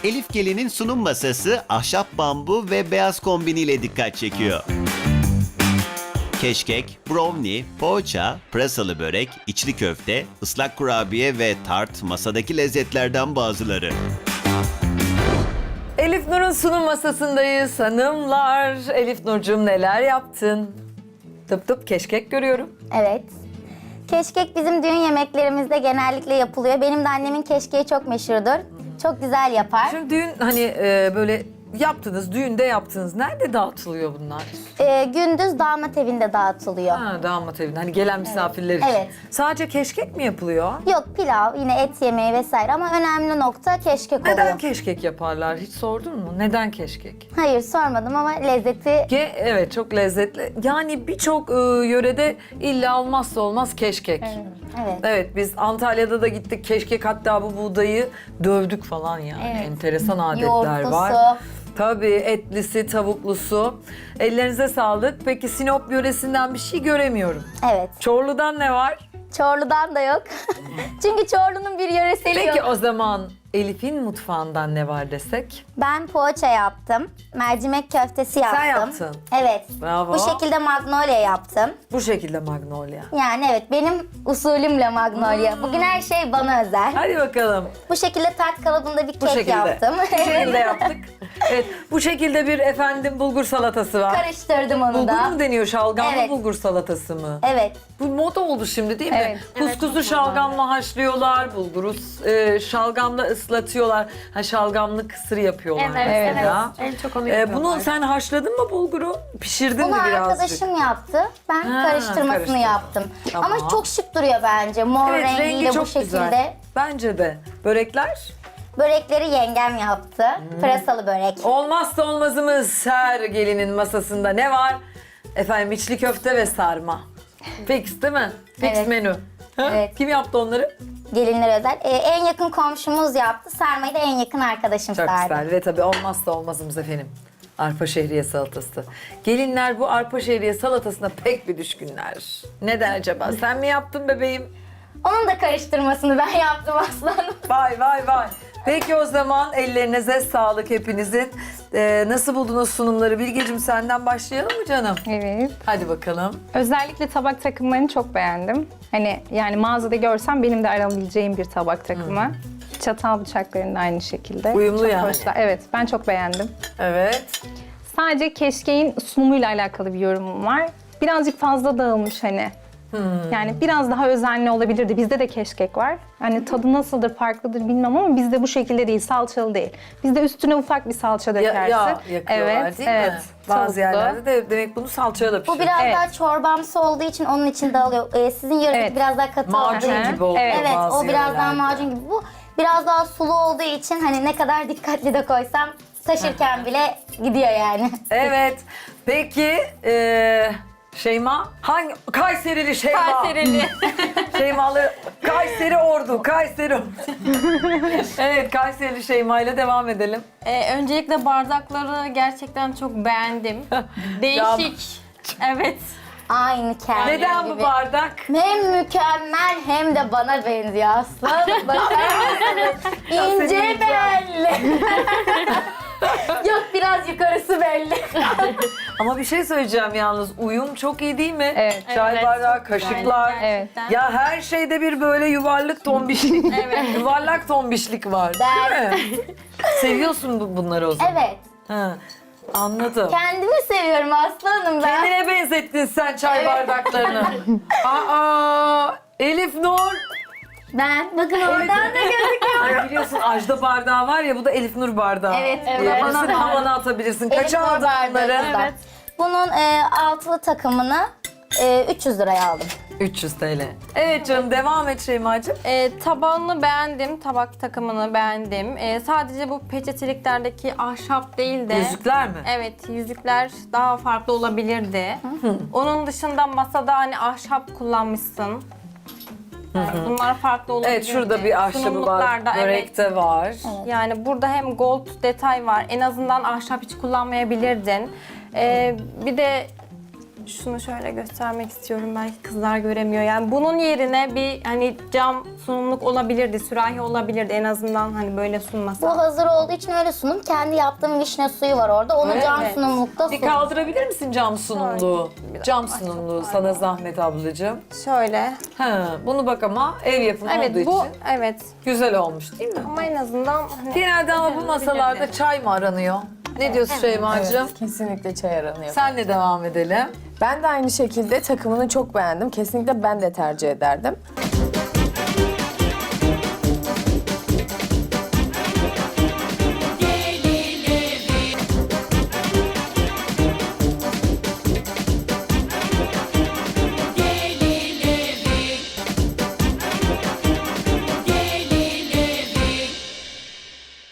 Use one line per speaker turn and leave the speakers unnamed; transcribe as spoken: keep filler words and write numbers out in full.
Elif Gelin'in sunum masası ahşap bambu ve beyaz kombiniyle dikkat çekiyor. Keşkek, brownie, poğaça, pırasalı börek, içli köfte, ıslak kurabiye ve tart masadaki lezzetlerden bazıları.
Elif Nur'un sunum masasındayız hanımlar. Elif Nurcuğum neler yaptın? Tıp tıp keşkek görüyorum.
Evet. Keşkek bizim düğün yemeklerimizde genellikle yapılıyor. Benim de annemin keşkeği çok meşhurdur. Çok güzel yapar.
Şimdi düğün hani e, böyle yaptınız, düğünde yaptınız. Nerede dağıtılıyor bunlar?
Ee, gündüz damat evinde dağıtılıyor.
Ha, damat evinde. Hani gelen misafirler için.
Evet.
Sadece keşkek mi yapılıyor?
Yok pilav, yine et yemeği vesaire ama önemli nokta keşkek
Neden
oluyor.
keşkek yaparlar? Hiç sordun mu? Neden keşkek?
Hayır sormadım ama lezzeti
Ge evet çok lezzetli. Yani birçok e, yörede illa olmazsa olmaz keşkek.
evet.
Evet biz Antalya'da da gittik keşkek, hatta bu buğdayı dövdük falan yani.
Evet.
Enteresan adetler
Yoğurtlusu.
var. Tabii etlisi, tavuklusu. Ellerinize sağlık. Peki Sinop yöresinden bir şey göremiyorum.
Evet.
Çorlu'dan ne var?
Çorlu'dan da yok. Çünkü Çorlu'nun bir yöreseli
Peki
yok.
o zaman Elif'in mutfağından ne var desek?
Ben poğaça yaptım. Mercimek köftesi yaptım.
yaptın.
Evet.
Bravo.
Bu şekilde magnolia yaptım.
Bu şekilde magnolia.
Yani evet benim usulümle magnolia. Bugün her şey bana özel.
Hadi bakalım.
Bu şekilde tart kalıbında bir
Bu
kek
şekilde.
yaptım.
Bu şekilde yaptık. Evet. Bu şekilde bir efendim bulgur salatası var.
Karıştırdım onu
Bulgur
da.
mu deniyor? Şalgamlı
Evet.
bulgur salatası mı?
Evet.
Bu moda oldu şimdi değil mi?
Evet.
Kuskusu şalgamla haşlıyorlar, bulguru e, şalgamla ıslatıyorlar. Ha şalgamlı kısır yapıyorlar.
Evet, evet.
mesela.
En çok onu
E,
yapıyorlar.
bunu sen haşladın mı bulguru? Pişirdin
Bunu
mi birazcık?
arkadaşım yaptı. Ben
Ha,
karıştırmasını
karıştırdın.
yaptım.
Tamam.
Ama çok şık duruyor bence. Mor
Evet, rengi
rengiyle
çok
bu şekilde.
güzel. Bence de. Börekler?
Börekleri yengem yaptı.
Hmm.
Pırasalı börek.
Olmazsa olmazımız her gelinin masasında ne var? Efendim içli köfte ve sarma. Fix değil mi? Fix
Evet.
menü. Ha?
Evet.
Kim yaptı onları?
Gelinler özel. Ee, en yakın komşumuz yaptı. Sarmayı da en yakın arkadaşım
Çok
sardı.
güzel ve tabii olmazsa olmazımız efendim. Arpa şehriye salatası. Gelinler bu arpa şehriye salatasına pek bir düşkünler. Neden acaba? Sen mi yaptın bebeğim?
Onun da karıştırmasını ben yaptım aslanım.
Vay vay vay. Peki o zaman ellerinize sağlık hepinizin. Ee, nasıl buldunuz sunumları? Bilgeciğim senden başlayalım mı canım?
Evet.
Hadi bakalım.
Özellikle tabak takımlarını çok beğendim. Hani yani mağazada görsem benim de arayabileceğim bir tabak takımı. Çatal bıçaklarının da aynı şekilde.
Uyumlu
çok
yani.
hoşlar. Evet, ben çok beğendim.
Evet.
Sadece keşkeğin sunumuyla alakalı bir yorumum var. Birazcık fazla dağılmış hani. Yani biraz daha özenli olabilirdi. Bizde de keşkek var. Hani tadı nasıldır, farklıdır bilmem ama bizde bu şekilde değil, salçalı değil. Bizde üstüne ufak bir salça
Ya,
dökersin.
yağ yakıyorlar
evet,
değil
evet.
mi? Bazı
Tavuklu.
yerlerde de demek bunu salçaya da
Bu
pişiriyor.
biraz
Evet.
daha çorbamsı olduğu için onun için dağılıyor. Ee, sizin yöreniz
Evet.
biraz daha katı
Macun
olduğu için.
gibi oluyor
Evet,
Evet,
bazı
o biraz daha
yerlerde.
macun gibi. Bu biraz daha sulu olduğu için hani ne kadar dikkatli de koysam taşırken bile gidiyor yani.
Evet. Peki eee Şeyma? Hangi? Kayserili Şeyma.
Kayserili.
Şeymalı. Kayseri Ordu. Kayseri Ordu. Evet Kayserili Şeyma ile devam edelim.
Ee, öncelikle bardakları gerçekten çok beğendim. Değişik. Evet.
Aynı kendi
Neden
gibi.
bu bardak?
Hem mükemmel hem de bana benziyor aslanım. Bakar mısınız? İnce
senin
belli. Yok biraz yukarısı belli.
Ama bir şey söyleyeceğim yalnız. Uyum çok iyi değil mi?
Evet.
Çay
Evet,
bardağı,
çok güzel.
kaşıklar.
Gerçekten.
Ya her şeyde bir böyle yuvarlak tombişlik.
Evet.
Yuvarlak tombişlik var.
Ben-
Değil mi? Seviyorsun bu- bunları o zaman.
Evet.
Ha, anladım.
Kendimi seviyorum aslanım ben.
Kendine benzettin sen çay bardaklarını. Aa, Elif Nur.
Ben bakın oradan da gözüküyor.
Ay biliyorsun Ajda bardağı var ya, bu da Elif Nur bardağı.
Evet, evet.
Diyebilirsin,
Havana-
havana atabilirsin.
Elif
Kaça
Nur
aldın
bardağı
bunları?
kızlar. Bunun e, altılı takımını e, üç yüz liraya aldım.
üç yüz TL. Evet canım, devam et Şeyma'cığım.
Ee, tabağını beğendim, tabak takımını beğendim. Ee, sadece bu peçeteliklerdeki ahşap değil de...
Yüzükler mi?
Evet, yüzükler daha farklı olabilirdi. Onun dışında masada hani ahşap kullanmışsın. Yani bunlar farklı olabilirdi.
Evet, şurada bir ahşabı var.
Sunumluklarda, evet.
Börekte var.
Yani burada hem gold detay var. En azından ahşap hiç kullanmayabilirdin. Ee, bir de Şunu şöyle göstermek istiyorum, belki kızlar göremiyor. Yani bunun yerine bir hani cam sunumluk olabilirdi, sürahi olabilirdi en azından, hani böyle
Bu
sunmasa.
hazır olduğu için öyle sunum. Kendi yaptığım vişne suyu var orada. Onu
Öyle
cam
mi?
sunumlukta
Bir
sun.
kaldırabilir misin cam sunumluğu?
Bir
Cam
dakika,
sunumluğu sana zahmet ablacığım.
Şöyle.
Ha, bunu bak ama ev yapımı olduğu
Evet bu,
için
evet.
güzel olmuş değil mi?
Ama en azından hani
Genelde ama bu masalarda
olabilirdi.
çay mı aranıyor? Ne diyorsun Şeyma'cığım?
Kesinlikle çay aranıyor.
Senle devam edelim.
Ben de aynı şekilde takımını çok beğendim. Kesinlikle ben de tercih ederdim.